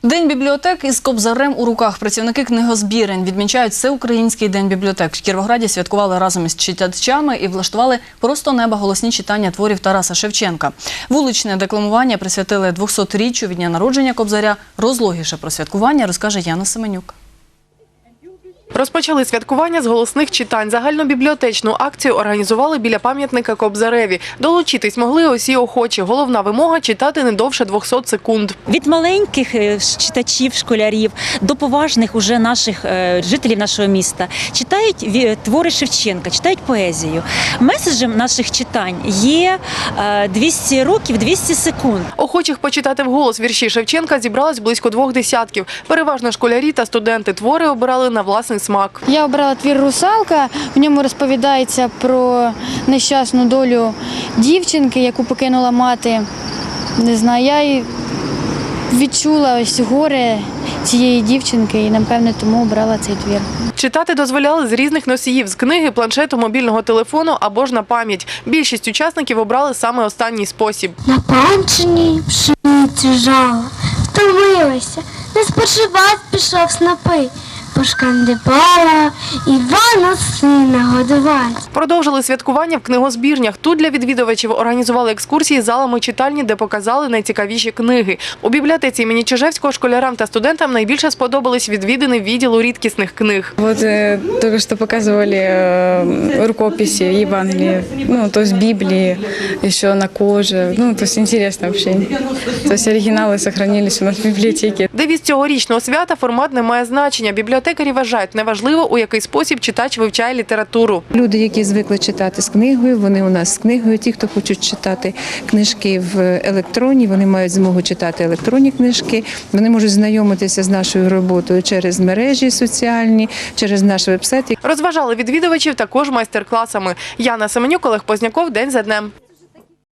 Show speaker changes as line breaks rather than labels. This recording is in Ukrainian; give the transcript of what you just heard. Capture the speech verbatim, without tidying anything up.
День бібліотек із кобзарем у руках. Працівники книгозбірень відмічають Всеукраїнський день бібліотек. В Кіровограді святкували разом із читачами і влаштували просто неба голосні читання творів Тараса Шевченка. Вуличне декламування присвятили двохсотріччю від дня народження кобзаря. Розлогіше про святкування розкаже Яна Семенюк.
Розпочали святкування з голосних читань. Загальнобібліотечну акцію організували біля пам'ятника Кобзареві. Долучитись могли усі охочі. Головна вимога – читати не довше двохсот секунд.
Від маленьких читачів, школярів до поважних уже наших жителів нашого міста читають твори Шевченка, читають поезію. Меседжем наших читань є двісті років, двісті секунд.
Охочих почитати вголос вірші Шевченка зібралось близько двох десятків. Переважно школярі та студенти. Твори обирали на власний смак.
Я обрала твір «Русалка». В ньому розповідається про нещасну долю дівчинки, яку покинула мати. Не знаю, я й відчула ось горе цієї дівчинки і, напевне, тому обрала цей твір.
Читати дозволяли з різних носіїв – з книги, планшету, мобільного телефону або ж на пам'ять. Більшість учасників обрали саме останній спосіб.
На панчині пшениці жала, втомилася, не спочивать пішов снопи. Пошкандибала, Івана сина годувать.
Продовжили святкування в книгозбірнях. Тут для відвідувачів організували екскурсії залами читальні, де показали найцікавіші книги. У бібліотеці імені Чижевського школярам та студентам найбільше сподобались відвідини відділу рідкісних книг.
Вот э, только что показывали э, рукописи Евангелия, ну, то есть Библии, еще на коже. Ну, то есть интересно вообще. То есть оригиналы сохранились у нас в библиотеке.
Девіз цьогорічного свята – формат не має значення. Бібліотекарі вважають, неважливо, у який спосіб читач вивчає літературу.
Люди, які звикли читати з книгою, вони у нас з книгою. Ті, хто хочуть читати книжки в електронні, вони мають змогу читати електронні книжки. Вони можуть знайомитися з нашою роботою через мережі соціальні, через наш веб-сайт.
Розважали відвідувачів також майстер-класами. Яна Семенюк, Олег Позняков. День за днем.